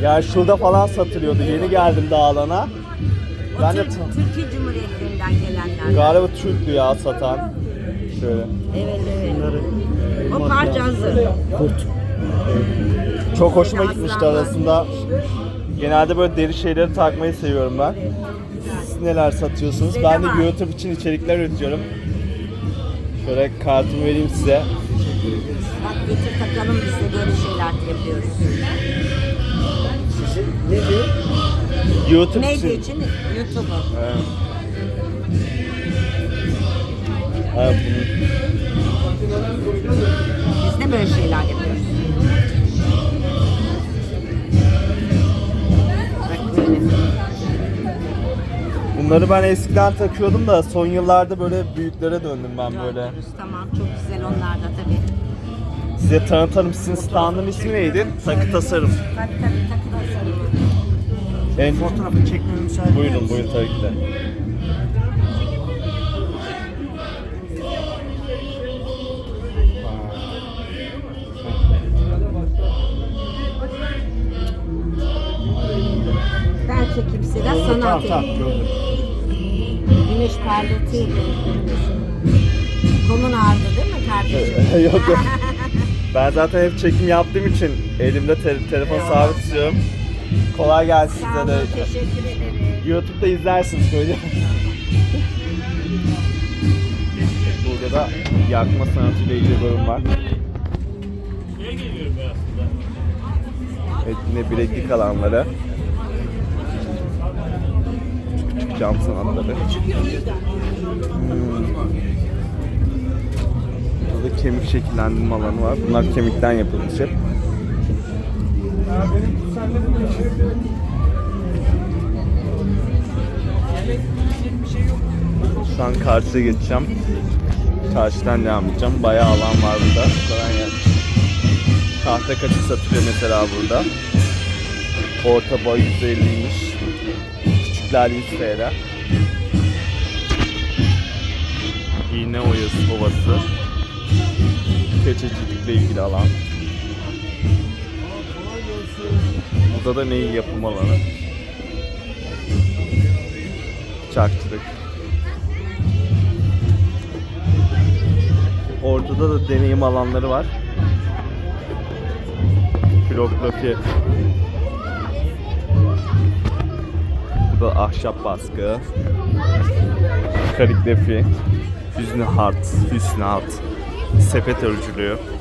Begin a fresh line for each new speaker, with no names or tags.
Yani şurada falan satılıyordu. Yeni geldim Dağlan'a. Ben de
Türkiye Cumhuriyetlerinden gelenler.
galiba Türk'lü ya satan. Şöyle.
Evet evet. O parçası.
Kurt. Çok hoşuma gitmişti arasında. Genelde böyle deri şeyleri takmayı seviyorum ben. Siz neler satıyorsunuz? Ben de YouTube için içerikler üretiyorum. Şöyle kartımı vereyim size.
Bak getir takalım, biz de böyle şeyler yapıyoruz.
Ne diyor?
YouTube
Medya
için.
için YouTube'u.
Evet. Evet,
Biz de böyle şeyler yapıyoruz. Bak böyle.
bunları ben eskiden takıyordum da son yıllarda böyle büyüklere döndüm ben böyle.
Yapıyoruz. Tamam, çok güzel onlar da tabii.
Size tanıtalım, sizin standın ismi neydi? Takı Tasarım.
Tabii takıdan sarılıyor.
En...
Fotoğrafı çekmeme müsaade
Buyurun,
eder misin?
buyurun tabii ki de.
Ben çekeyim size de sana
Tamam
atayım.
gördüm.
Güneş parlatıyor. Kolun ağrıdı değil mi kardeşim?
Yok yok. Ben zaten hep çekim yaptığım için elimde telefon sabit tutuyorum. Kolay gelsin
Sağ
size
olun,
de.
teşekkür ederim.
YouTube'da izlersiniz böyle. Burada da yakma sanatıyla ilgili bölüm var. Evet, yine bileklik alanları. Küçük cam sanatları. Burada kemik şekillendirme alanı var. Bunlar kemikten yapılmış hep. Şu an karşıya geçeceğim. Karşıdan devam edeceğim. Bayağı alan var burada. Kolay gelsin. Tahta kaçık satılıyor mesela burada. Orta boy 150'ymiş. Küçükler 100 TL. İğne ovası. Keçecilikle ilgili alan. Burada da neyi yapım alanı. Çarkçılık. Ortada da deneyim alanları var. Filografi. Burada ahşap baskı. Kaligrafi. Hüsnü hat. Sepet örücülüğü.